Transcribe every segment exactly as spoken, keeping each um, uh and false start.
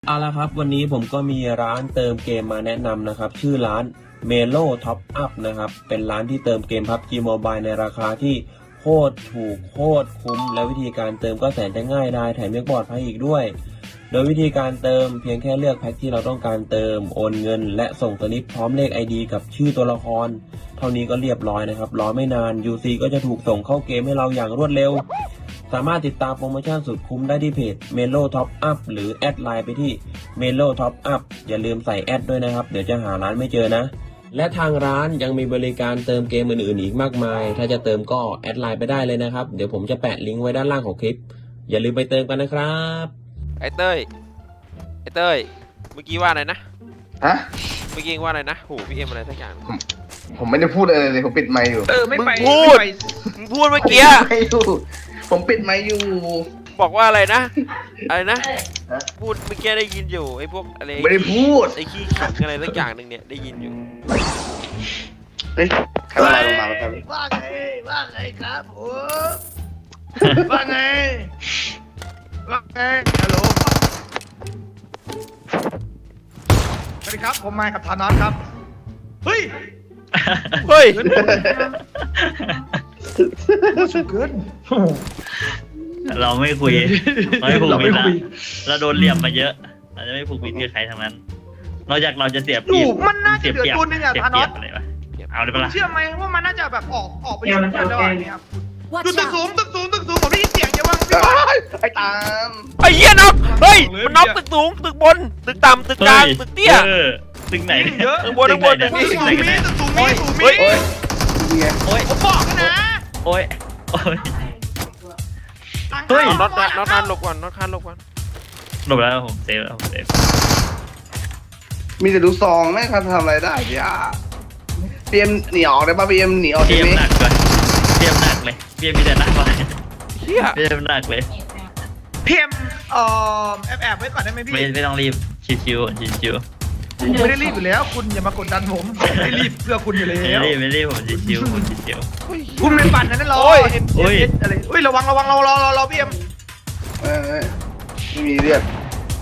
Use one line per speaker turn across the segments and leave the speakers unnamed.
เอาละครับวันนี้ผมก็มีร้านเติมเกมมาแนะนำนะครับชื่อร้าน Melo Top Up นะครับเป็นร้านที่เติมเกม พับจี Mobile ในราคาที่โคตรถูกโคตรคุ้มและวิธีการเติมก็แสนจะง่ายได้แถมยังปลอดภัยอีกด้วยโดยวิธีการเติมเพียงแค่เลือกแพ็คที่เราต้องการเติมโอนเงินและส่งสลิปพร้อมเลข ไอ ดี กับชื่อตัวละครเท่านี้ก็เรียบร้อยนะครับรอไม่นาน ยู ซี ก็จะถูกส่งเข้าเกมให้เราอย่างรวดเร็วสามารถติดตามโปรโมชั่นสุดคุ้มได้ที่เพจ Melo Top Up หรือแอดไลน์ไปที่ Melo Top Up อย่าลืมใส่แอดด้วยนะครับเดี๋ยวจะหาร้านไม่เจอนะและทางร้านยังมีบริการเติมเกมอื่นๆอีกมากมายถ้าจะเติมก็แอดไลน์ไปได้เลยนะครับเดี๋ยวผมจะแปะลิงก์ไว้ด้านล่างของคลิปอย่าลืมไปเติมกันนะครับ
ไอ้เต้ยไอ้เต้ยเมื่อกี้ว่าอะไรนะ
ฮะ
เมื่อกี้ว่าอะไรนะโหพี่เอ็มอะไรสักอย่าง
ผมผมไม่ได้พูดอะไรเลยผมปิดไมค์อยู่
เออไม่ไป
พูดมึงพูดเมื่อกี้
ไม่อยู่ผมปิดไมค์อยู่
บอกว่าอะไรนะอะไรนะพูดเมื่อกี้ได้ยินอยู่ไอ้พวกอะไร
ไม่ได้พูด
ไอ้ขี้ขิงอะไรสักอย่างหนึ่งเนี่ยได้ยินอยู่
เฮ้ยใครมาลงมาครับ
ว่าไงว่าไงครับผมว่าไงว่าไงฮัลโหลสวัสดีครับผมมากับธานอสครับเฮ้ย
เฮ้ย
สุดเกิน
เราไม่คุยเราไม่ผูกมิตรเราโดนเหลี่ยมมาเยอะเราจะไม่ผูกมิตรกับใครทั้งนั้นนอกจากเราจะเสียเปรียบ
มันน่าจะเดือดตัวนึงอะธานอส
เอาเลยปะล่ะ
เชื่อไหมว่ามันน่าจะแบบออกออกไปอยู่กันได้เนี่ยดูตึกสูงตึกสูงตึกสูงผมได้ยินเสียงเยอะมาก
ไอ้ตาม
ไอ้เหี้ยน็อกเฮ้ยมันน็อกตึกสูงตึกบนตึกต่ำตึกกลางตึกเตี้ย
ตึกไหน
เยอะ
ตึกบนตึกบนตึกนี้
ตึกสูงมีตึกสูงมีสูงมี
โอ้ย
โอ้ย
ผมบอกนะ
โอ้ยโอ้ย
เฮ้ยน็อตน็อตคานหลบก่อนน็อตคานหลบก่อน
หลบแล้วผมเซฟแล้วผมเซฟ
มีแต่ดูซองไม่ทันทำอะไรได้พี่อ่ะเพียมหนีออกได้ป่ะเพียมหนีออก
เพียมหนักเลยเพียมหนักเลยเพียมมีแต่หนักเลย
เฮีย
เพียมหนักเลย
เพียมเอ่อแอบแอบไว้ก่อนได้ไหมพี่
ไม่ไม่ต้องรีบชิวชิวชิว
ผมไม่ได้รีบอยู่แล้วคุณอย่ามากดดันผมไม่รีบเพื่อคุณอยู่แล้ว
ไม่รีบไม่รีบผมชิวผมชิว
คุณเป็นปั่นนั่นรอโอ้ยโอ้ยอะไรเฮ้ยระวังระวังรอรอรอรอพี่เอ็ม
ไม่มีเลือด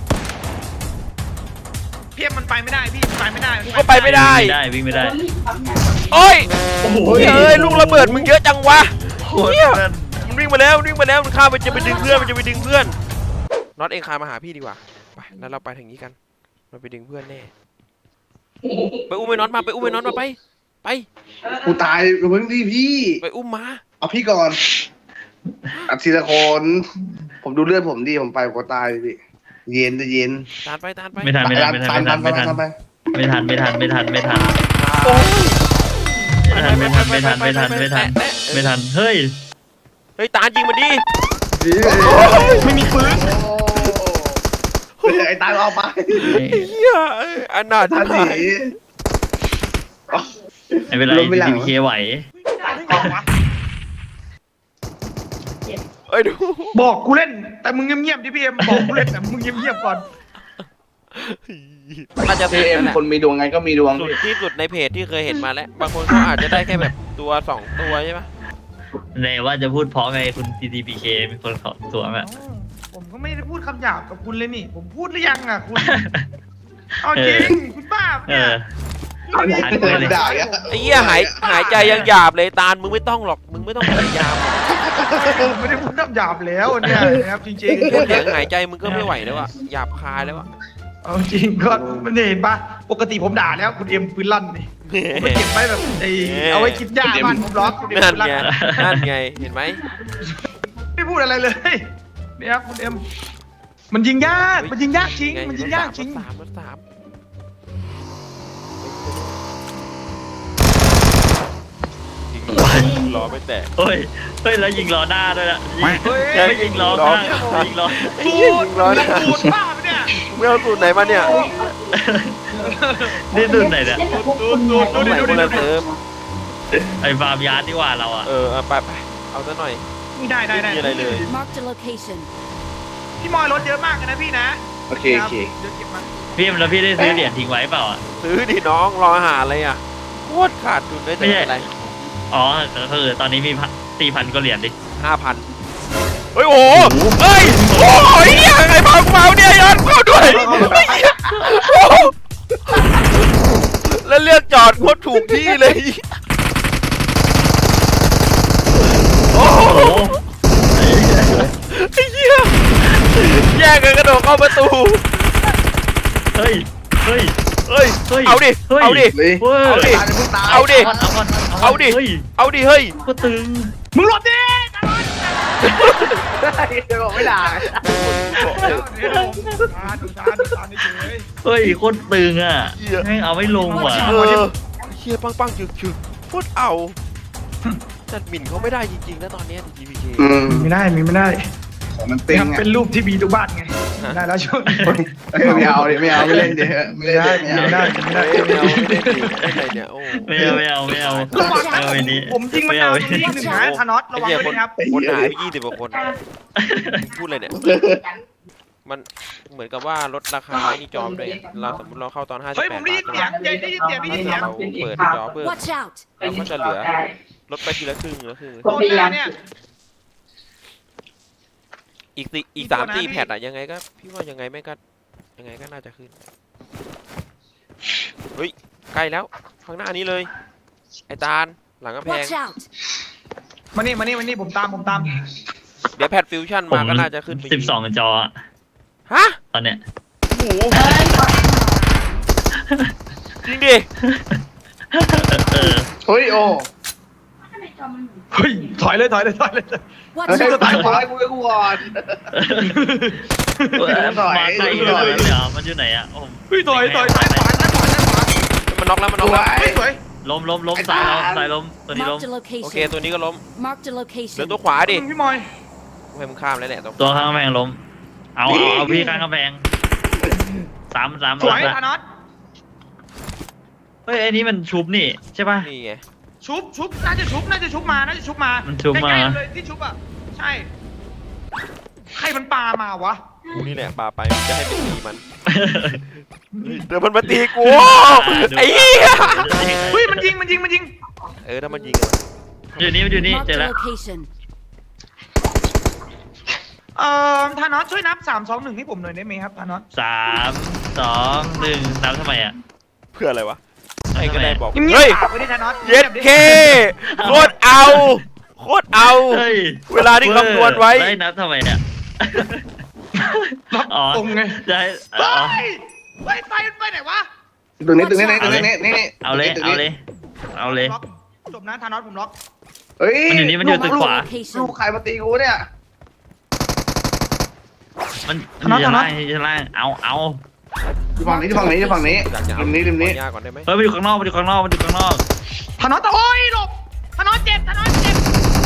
พี่เอ็มมันไปไม่ได้พี่ไปไม่ได้
กูก็ไปไม่ได้
ได้วิ่งไม่ได้
โอ้ยโอ้โหเฮ้ยลูกระเบิดมึงเยอะจังวะเฮียมันวิ่งมาแล้ววิ่งมาแล้วมันข้ามไปจะไปดึงเพื่อนมันจะไปดึงเพื่อนน็อตเองคามาหาพี่ดีกว่าไปแล้วเราไปทางนี้กันเราไปดึงเพื่อนแน่ไปอุ้มไอ้น็อตมาไปอุ้มไอ้น็อตมาไปไป
กูตายเพิ่งที่พี่
ไปอุ้มมา
เอาพี่ก่อนอัดทีละคนผมดูเลือดผมดีผมไปกูตายพี่เย็นจะเย็น
ตานไปตานไป
ไม่ทันไม่ทันไม่ทันไม่ทันไม่ทันไม่ทันไม่ทันไม่ทันไม่ทันไม่ทันไม่ทันไม่ทันไม่ทันไม่ทันเฮ้ย
เฮ้ยตานยิงมันดิ
ไม่มีปืน
ไอ้ตายเอาไป
เฮียอันน่าจะหาย
ไม่เป็นไรทีมเคไหว
เอ้ยดู
บอกกูเล่นแต่มึงเงียบๆดิพี่เอ็มบอกกูเล่นแต่มึงเงียบๆก่อน
น่าจะ
พี่เอ็มคนมีดวงไงก็มีดวง
สุดที่สุดในเพจที่เคยเห็นมาแล้วบางคนเขาอาจจะได้แค่แบบตัวสองตัวใช่ปะ
ในว่าจะพูดเพราะไงคุณ ที ที พี เค มีคนขอตัวอ่ะ
ผมก็ไม่ได้พูดคำหยาบกับคุณเลยนี่ผมพูดหรือยังอ่ะคุณเอาจริงคุณป้าเนี่ย
ไอ้เหี้ยหายหายใจยังหยาบเลยตาลมึงไม่ต้องหรอกมึงไม่ต้องพยายาม
ไม่ได้พูดน้ำหยาบแล้วเนี่ยนะครับจริงๆ
แค่เสียงหายใจมึงก็ไม่ไหวแล้วอะหยาบคายแล้วอะ
เอาจริงก็มันเห็นปะปกติผมด่าแล้วคุณเอ็มปืนลั่นนี่ผมเก็บไว้แบบไอ้เอาไว้คิดยากบ้านผมล็อกคุณเอ็ม
นั่นไงนั่นไงเห็นไหม
ไม่พูดอะไรเลยเนี่ยครับคุณเอ็มมันยิงยากมันยิงยากจริงมันยิงยากจริง
สามสามล้อไม่แตก
เฮ้ยเฮ้ยแล้วยิงล้อหน้าด้วยนะไม่ยิงล้อหน้ายิงล้อ
สูดล้อหน้าสูดบ้าไปเนี่ย
ไม่เอาสูตรไหนมาเนี่ย
นี่สูตรไหนเนี่ย
สูตรสูตรดูดิดูดิดูดิ
ไอ้ฟาร์มยาร์ดที่ว่าเราอ่ะ
เออไปไปเอาซะหน่อย
ได้ได้ได้
อะไรเลย
พี่มอยรถเยอะมากนะพี่นะ
โอเคโอเค
พี่แล้วพี่ได้ซื้อเหรียญทิ้งไว้เปล่าอ่ะ
ซื้อดิน้องรอหาอะไรอ่ะโคตรขาดทุนได้แต่อะไร
อ๋อคือตอนนี้มีสี่พันก็เหรียญดิ
ห้าพันฮ้ยโอ้โหเฮ้ยโอ้ยเหี้ยไอ้พากูมาเนี่ยย้อนเข้าด้วยไอ้เหี้ยโอ้โหแล้วเลือกจอดโคตรถูกที่เลยโอ้โห
โอ้โห
ไอ้เหี้ยแย่งกันกระโดดเข้าประตู
เฮ้ยเฮ้ย
เฮ้ย
เฮ้ย
เอาดิ
เฮ้ย
เอาดิ
เลย
เฮ้ย
เอาดิ
ตายเลยพวกตาย
เอาดิ
เอาก่อนเอาก่อน
เอาดิ
เฮ้ย
เอาดิเฮ้ย
ก็ตึง
มึงหลบดิ
เดี๋ยวบอกไม่ได้
เดี๋ยวผมตาดูตาดูตาเฉย
เฮ้ยโคตรตึงอ่ะแม่งเอาไม่ลงว่ะ
เออเฮียปังปังจึกจึกโคตรเอาจัดหมิ่นเขาไม่ได้จริงๆนะตอนเนี้ย จี พี เค
อืม
ไม่ได้มีไม่ได้
ของมันติง
ครับ
อ่ะ
เป็นรูปที่มีทุกบ้านไงได้แล้วช่วงนี้
เอ้ยไม่เอาดิไม่เอาไม่เล่นดิไม่
ไม่
เล่น
ได้
ดิ
ไม่ได้ไม่ได้
ไม่เอาไม่ได้จริงอะไรเนี่ยโอ้
ไม่เอาไม่เอาไม่เอา
ระวัง
ไม่
นะ
เอาไอ้นี้
ผมยิงมันดาวตรงนี้อีกหนึ่งนะธานอสระวัง
ไอ้
ด้วย
เหี้ย
นะครับ
คนหายไปยี่สิบกว่าคนพูดอะไรเนี่ยมันเหมือนกับว่าลดราคาไอ้นี่จอมด้วยเราสมมติเราเข้าตอนห้าสิบ
เฮ้ย
แป
ผ
ด
มได้ยิน
บาท
เสียงได้ยินเสียงได้ยินเสียง
เราเปิดจอเพิ่ม
Watch out!
เราก็จะเหลือลดไปทีละครึ่งละครึ่ง
โดนหน้าเนี่ย
อีกสี่อีกสามสี่แพทอะยังไงก็พี่ว่ายังไงไม่ก็ยังไงก็น่าจะขึ้นเฮ้ยใกล้แล้วข้างหน้านี้เลยไอ้ตาลหลังกำแพง
Watch out!
มานี่มานี่มานี่ผมตามผมตาม
เดี๋ยวแพทฟิวชั่น
ผม
มาก็น่าจะขึ้นไป
สิบสองจออะ
ฮะ
ตอนเนี้ย
โอ้โหจริงดิ
เออ
เฮ้ยโอ้
เฮ้ยถอยเลยถอยเลยถอยเลย
Watch
เฮ้ย
out!
ตายขอให้กูให้กูก่อน
เออ
หน่อย
มาใกล้ขนาดนั้นเลยเหรอมันอยู่ไหนอ่ะโอ้
เฮ้ยถอยถอยซ้ายขวาซ้ายขวาซ้ายขวา
มันน็อกแล้วมัน
ส
น็อก
ว
แล้ว
ย
เฮ้ยสวย
ล้มล้มล้มสายล้มสายล้มตัวนี้ล้ม
Marked a
โอเค
location.
ตัวนี้ก็ล้ม
Marked a
เหลือ
location.
ตัวขวาดิ
พี่มอย
ให้มึงข้ามแล้วแหละตัว
ตัวข้างกำแพงล้มเอาเอาเอาพี่ข้างกำแพงสามสาม
สวย
ละ
ธานอส
เฮ้ยไอ้นี่มันชุบนี่ใช่ป่ะ
นี่ไง
ชุบชุบน่าจะชุบน่าจะชุบมาน่าจะชุบมา
มันชุบมา
ใกล้ๆเลยที่ชุบอ่ะใช่ใครมันปามาวะ
กูนี่แหละปาไปมันจะให้เป็นตีมันเดี๋ยวมันมาตีกูไอ้เหี้ย
เฮ้ยมันยิงมันยิงมันยิง
เออถ้ามันยิงอะ
อยู่นี่มันอยู่นี่
Marked
เจอ
a
แล้ว
location.
เอ่อธานอสช่วยนับสามสองหนึ่งให้ผมหน่อยได้ไหมครับธานอส
สามสองหนึ่งนับทำไมอ่ะ
เพื่ออะไรวะใครก็ได้บอก
เงีย
เฮ้ย
บๆปากไว้ดิธานอส
เย็ดเคโคตรเอาโคตรเอา
เฮ้ย
เวลาที่คำนวณไว้
ได้นับทำไมเนี่ย
รับ
อ๋อ
ตรงไง
จะให้
ไป
อ๋อ
ไปไปไปไหนวะ
ตรงนี้ตรงนี้ตรงนี้นี่นี่
เอาเลยเอาเลยเอาเลย
ล็อกจบนะธานอสผมล็อก
เฮ้ย
มันอยู่นี่มันอยู่ตึกขวา
ลู
Location.
กใครมาตีกูเนี่ย
มันอยู่ชั้นล่างอยู่ชั้นล่างเอาเอา
อยู่ฝั่งนี้อยู่ฝั่งนี้อยู่ฝั่งนี้
อยากจะเอา
ริมนี้ริมนี้
ขอยาก่อนได้ไหม
เฮ้ยมันอยู่ข้างนอกมันอยู่ข้างนอกมันอยู่ข้างนอก
ธานอสโอ้ยหลบธานอสเจ็บธานอสเจ็บ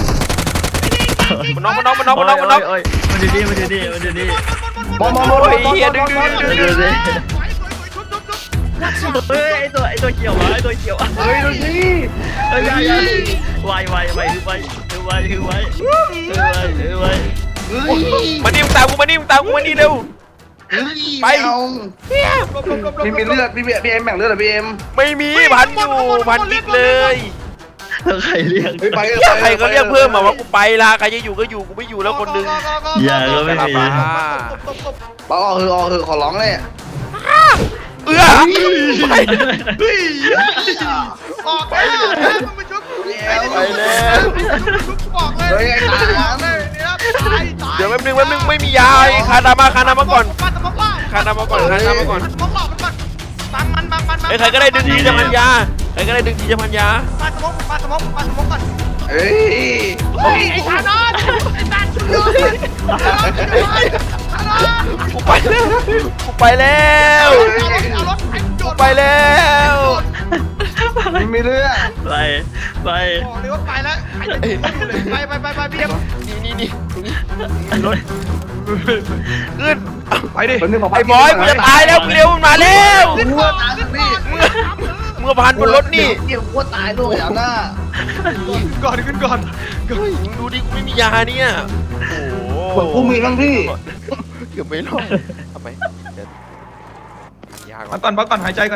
มันน็อกมันน็อกมันน็อกมันน็อกมันน็อก
โยโยมันอยู่นี่มันอยู่นี่มันอยู่นี่
มองมองมอง
โอ้ยเหี้ยดึงดึงดึง
มันอยู่นี่
สวยสวยสวยชุบชุบชุบ
Watch out!
เฮ้ยไอตัวไอตัวเขียววะไอตัวเขียว
เฮ้ยดูสิ
เฮ้ยไวไวไวไวคือไวคือไวคือไวคือไว
เฮ้ย
มานี่มึงตามกูมานี่มึงตามกูมานี่เร็ว
เฮ้ย
ไป
เอา
หลบหลบหลบหลบ
มีมีเลือดพี่พี่เอ็มแบ่งเลือดเหรอพี่เอ็ม
ไม่มีพันอยู่พันกิ๊กเลย
แล้วใครเรียก
เฮ้ยไป
เหี้ยใครก็เรียกเพิ่มมาว่ากูไปละใครจะอยู่ก็อยู่กูไม่อยู่แล้วคนหนึง
อย่าก็ไม่มี
บ้า
เอาออกเถอะออกเถอะขอร้องเลย
เอื้อไป
เฮ้ยออกแล้วมึงไปชุบ
ไปแล้ว
ชุบบอกเลย
เฮ้ยไอ้ตา
บอกเลยเนี่ยตายตาย
เดี๋ยวแป๊บนึงแป๊บนึงไม่มียาไอ้คานามาคานามาก่อน
ปาตะมกว่า
คานามาก่อนคานามาก่อน
ปาตะมกว่ามันก่อนบังมันบังมันบัง
ไอ้ยใครก็ได้ดึงทีจะพันยาใครก็ได้ดึงทีจะพันยา
ปาตะมกปาตะมกปาตะมกก่อน
เฮ้ย
เฮ้ยไอ้ธานอสไอ้ตาชุบเลยธานอสธานอส
กูไปแล้วกูไปแล้ว
เอารถไอ้โจ
กู
ร
ไปแล้ว
ไม่มีเลือด
ไปไป
บอกเลยว่าไปแล้วใครจะดูอยู่เลยไปไปไปไปพี่เอ็ม
นี่นี่นี่ตรงนี้มีรถขึ้น
ไปดิ
คนนึงบอก
ไอ้บอยกูจะตายแล้วมึงเร็วมึงมาแล้ว
ขึ้นก่อนขึ้นก่อน
มึงมาพันบนรถนี่
เกี่ยวกูตายด้วยเอาหน้า
ขึ้นก่อนขึ้นก่อน
เฮ้ยมึงดูดิกูไม่มียาเนี่ยโอ้
บอกกูมีบ้างพี่
เกือบไม่รอดทำไมเดี๋ยวพันยาก่อ
มาน ก่อนพักก่อนหายใจก่อน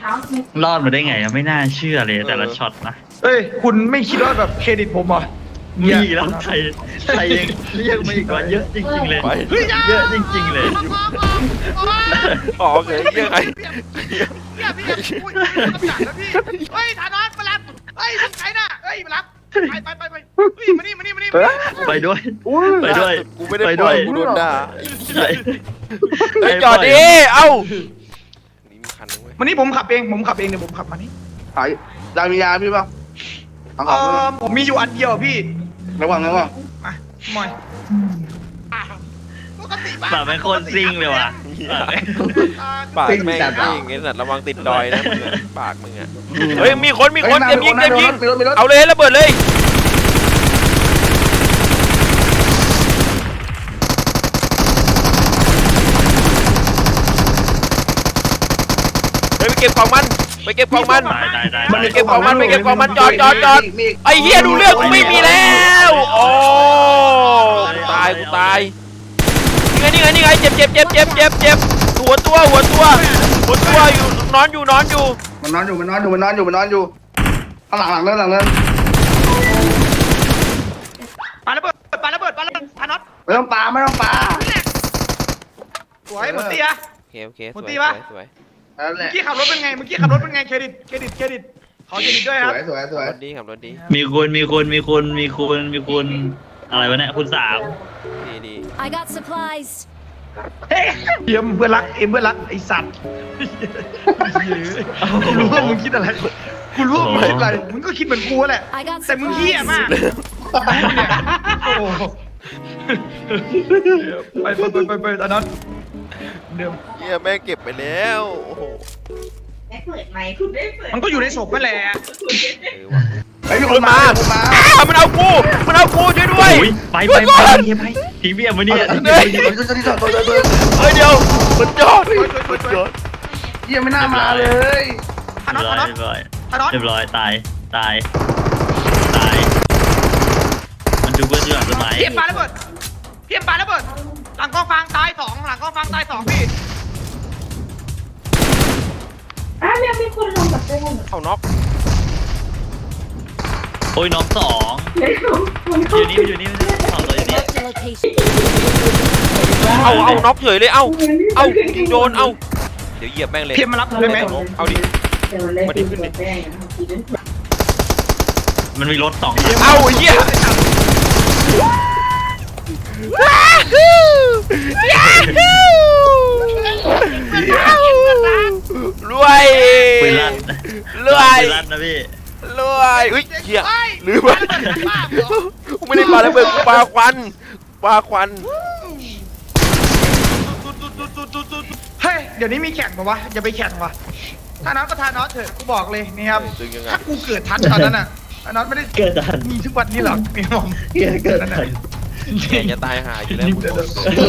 รอดมาได้ไงอะไม่น่าเชื่อเลยแต่ละช็อตนะ
เอ้ยคุณไม่คิดว่าแบบเครดิตผมเหรอ
มีแล้วไทยไทยยังเรียกมาอีกว่าเยอะจริงๆเลย
ไป
เยอะจริงๆเลย
ออกเลยเหี้ยไง
เนี่ยพี่อุ้ยกำจัดแล้วพี่เฮ้ยธานอสมารับเฮ้ยมึงใครน่ะเฮ้ยมารับไปไปไปไปเฮ้ยมานี่มานี่มานี่
ไปด้วยไปด้วย
กูไม่ได้
ไป
ป
ด้
ล่
ว
อย
ย
กูโดนด่า
ใช่
เฮ้ยจอดดิเอ้านี่มีคันนึงเว้ย
วันนี้ผมขับเองผมขับเองเดี๋ยวผมขับมานี่
ขายยามียาพี่ป่ะเอา
เอ
ของ
อผมมีอยู่อันเดียวพี่
ระวังระวัง
มาหมอยอ่ะปกติ
แบบเป็นคนซิ่งเลยว่ะ
ปากแม่งจริงไอ้สัตว์ระวังติดดอยนะมึงอะปากมึงอะเฮ้ยมีคนมีคนเตรียมยิงเตรียมยิง
มีรถมีรถ
เอาเลยระเบิดเลยเฮ้ยไปเก็บของมันไปเก็บของมัน
ตายตายตาย
มันไปเก็บของมันไปเก็บของมันจอดจอดจอดไอ้เหี้ยดูเรื่องกูไม่มีแล้วโอ้ตายกูตายนี่ไงนี่ไงนี่ไงเจ็บเจ็บเจ็บเจ็บเจ็บเจ็บหัวตัวหัวตัวหัวตัวอยู่นอนอยู่นอนอยู่
มันนอนอยู่มันนอนอยู่มันนอนอยู่มันนอนอยู่ข้างหลังหลังนั้นหลังนั้น
ปาระเบิดปาระเบิดปาระเบิดธานอส
ไม่ต้องปลาไม่ต้องปลา
สวยหมดตีอะ
โอเคโอเคส
หม
ว
ด
ย
ตี
ส
ปะ
วยสวย
นั่นแห
เมื่
ละ
อกี้ขับรถเป็นไงเมื่อกี้ขับรถเป็นไงเครดิตเครดิตเครดิตขอเครดิตด้วย
ส
ครับ
วยสวยสวย
รถดีครับรถดี
มีคุณมีคุณมีคุณมีคุณมีคุณอะไรวะเนี่ยคุณสาม
ดีดี
I got supplies.
เฮ้ยเยี่ยมเพื่อนรักเอ็มเพื่อนรักไอสัตว์กูรู้ว่ามึงคิดอะไรกูรู้ว่ามึงคิดอะไรมึงก็คิดเหมือนกูแหละ
I got
แต่มึงเฮี้ย
supplies.
มากโอ้โหไปไปไปไปไปตอนนั้นเดิม
เฮียแม่งเก็บไปแล้วโอ้โห
ได้เปิดไหมคุณได้เปิด
มันก็อยู่ในศพนั่นแหละ
เออว่ะ
ไอ้มีคนมาคนมา
อ้าวมันเอากูมันเอากูช่วยด้วย
โอ้ยไปไปไปไปทิ้งเบี้ยมาเนี่ย
เฮ้ย
ตัวตัวตัวตัวตัว
เฮ้ยเดี๋ยวมันจอดมันจอด
เยี่ยไม่น่ามาเลย
ธานอส
เรีย
ธาน
บ
อ
ร้
ส
อย
ธานอส
เรียบร้อยตายตายตายมันดูเพื่อนอยู่หลังต้นไม้
เพียบปาระเบิดเพียบปาระเบิดหลังกองฟางตายสองหลังกองฟางตายสองพี่
อ้าวยังมีคนลงกับเต้น
เอาน็อก
โอ้ยน้องสอง
เดี๋ยวมัน
อยู่นี่อยู่นี่สองตัวอยู่นี่
Marked a location.
เอาเอาน็อกเฉยเลยเอ้าเอ้ายิงโดนเอ้าเดี๋ยวเหยียบแม่งเลย
เพียบมารับได้ไหม
เอาดิ
เดี๋ยวเลยคือตัวแป้งนะทีนั้น
มันมีรถสองคัน
เอาไอ้เหี้ยรวย
ปืนลั่น
รวย
ปืนลั่นนะพี่
รวยอุ้ยเหี้ยลืมไปกูไม่ได้ปาระเบิดกูปาควันปาควัน
เฮ้ยเดี๋ยวนี้มีแข่งปะวะอย่าไปแข่งวะถ้าน้องก็ทานน้องเถอะกูบอกเลยนี่ครับ
ตึงยังไง
ถ้ากูเกิดทันตอนนั้นอ่ะทานน้องไม่ได้
เกิดทัน
มีทุกวันนี้หรอกนี่ผม
เกิดเกิดทัน
แกจะตายหาอยู่แล้วมึงบอกเลย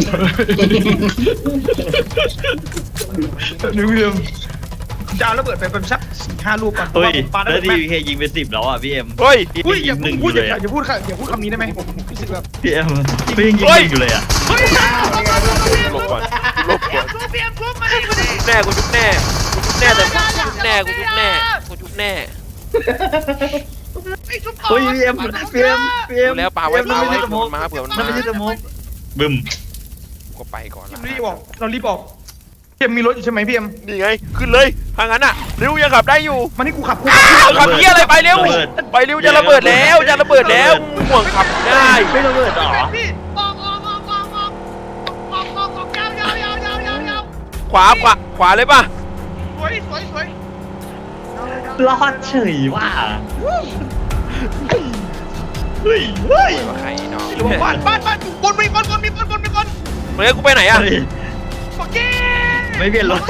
นิวเวียมจะเอาระเบิดไปเป็นสักสี่ห้าลูกก่อน
เฮ้ย
ปาระ
แล้
เบิ
ว
ด
ดี
แม่ง
เคยิงไปสิบแล้วอ่ะพี่เอ็ม
เฮ้ย
พี่
อุ้ยอ
ยิ
ย่าง
หนึ่งอ
พูด
ยู่
อ
เลย
ย่า
อ่ะ
อย่าพูดค่ะอย่าพูดคำนี้ได้ไหมผมรู้สึกแบบ
พี่เอ็มพี่ยิงยิงหนึ่งอยู่เลยอ่ะ
เฮ้ย
หลบก่อนหลบก่อน
เพียมทุบมาดิมาดิ
แน่กูชุบแน่กูชุบแน่แต่กูชุบแน่กูชุบแน่กูชุบแน่
ไอ้ชุบ
เฮ้ยพี่เอ็มพี่เอ็มพี่เอ็ม
ดูแล้วปาไว้ปาไว้
มันไม่ใช่สโม
มันมาเผื่อมัน
มัน
มา
ไม่ใช่สโมกบึ้ม
ก็ไปก่อนละ
รีบออกเรารีบออกเพียมมีรถอยู่ใช่ไหมพี่เอ็ม
นี่ไงขึ้นเลยทางนั้นอ่ะเร็วยังขับได้อยู่
มานี่กูขับกู
อ้าวขับเหี้ยอะไรไปเร็วไปเร็วจะระเบิดแล้วจะระเบิดแล้วห่วงขับได้
ไม่ระเบิดหรอ
พี่ออกออกออกออกออกออกออกออกยาวยาวยาวยาวยาวยาว
ขวาขวาขวาเลยป่ะ
สวยสวยสวย
รอดเฉยว่ะเฮ้ยเฮ้ย
ว่าใครน้อง
อยู่บ้านบ้านบ้านบนมีคนบนมีคนบนมีคน
เฮ้ยกูไปไหนอ่ะ
โอเค
ไม่เปลี่ยนรถ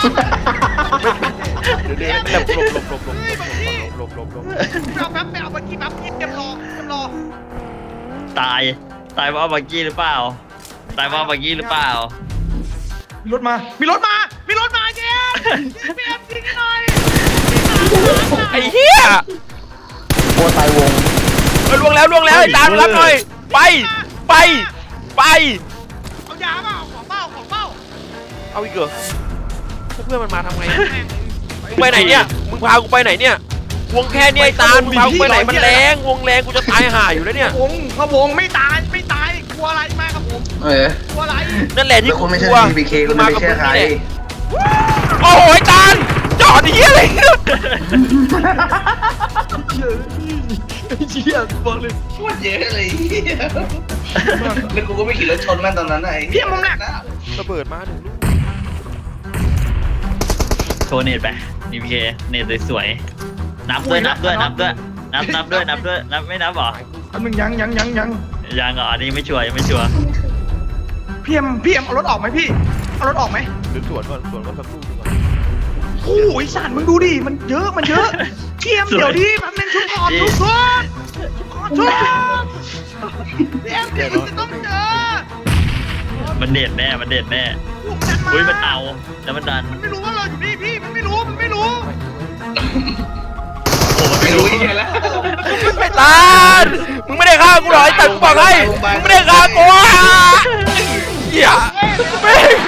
เดี๋ยวเดี๋ยวหลบหลบหลบหลบหลบหลบหลบหลบ
เอาแป๊บไปเอาบักกี้แป๊บเตรียมรอเตรียมรอ
ตายตายเพราะบักกี้หรือเปล่าตายเพราะบักกี้หรือเปล่า
มีรถมา มีรถมา มีรถมาเจ๊เปียบจริงหน่อย
ไอ้เหี้ยโคตรตายวงล่วงแล้วล่วงแล้วไอ้ตามรับหน่อยไปไปไป
เอายาเปล่าของเปล่าของเปล่า
เอาอีกเหรอเพื่อนมันมาทำไงมึงไปไหนเนี่ยมึงพากูไปไหนเนี่ยวงแค่เนี้ยไอ้ตาลมึงพากูไปไหนมันแรงวงแรงกูจะตายห่าอยู่แล้วเนี่ย
วงเขาวงไม่ตายไม่ตายกลัวอะไรมากครับผม
เออก
ลัวอะไร
นั่นแหละที่
แล้ว
กู
คุณไม่
ก
ใช่
ลัว
ทีพีเคคุณไม่ใช่ใคร
โอ้โหไอ้ตาลจอดเฮียอะไรเนี่ย
เชี่ยบอกเลย
พูดเยอะเลยแล้วกูก็ไม่ขี่รถชนแม่งตอนนั้นไอ้
เพี้ยมึงหนัก
ระเบิดมาหนึ่งลูก
โชว์เน็ตไปดีพีเคเน็ตสวยๆนับด้วยนับด้วยนับด้วยนับนับด้วยนับด้วยนับไม่นับหรอ
อันหนึ่งยังยังยังยัง
ยังเหรออันนี้ไม่ชัวร์ยังไม่ชัวร์
พี่เอ็มพี่เอ็มเอารถออกไหมพี่เอารถออกไหม
หรือสวนก่อนสวนก่อนสักลูกหนึงก่อน
โอ้ยสันมึงดูดิมันเยอะมันเยอะพี่เอ็มเดี๋ยวดิแป๊บนึงชุบก่อนชุบก่อนชุบก่อนชุบพี่เอ็มเดี๋ยวจะต้องเจอ
มันเด็ดแน่มันเด็ดแน่
ผมดันมา
อุ้ยมันเอาแล้วมันดัน
มันไม่รู้ว่าเราอยู่นี่พี่มันไม่รู้มันไม่รู้
โอ้โห
ไม่รู้อีกแล้ว
ไอ้ตาลมึงไม่ได้ฆ่ากูหรอไอ้ตาลกูบอกให้มึงไม่ได้ฆ่ากูอ่ะเหี้ยแม่ง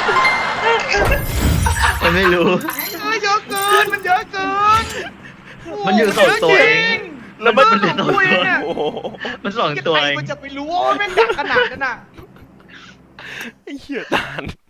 มันไม่รู้
เอ้ยเยอะเกินมันเยอะเกิน
มันอยู่สองตัวเอง
แล้วมัน
มันเด็ดสองตัว
โอ้โห
มันสองตัวเอง
มันจะไปรู้ว่าแม่งดักขนาดนั้นน่ะ
ไอ้เหี้ยตาล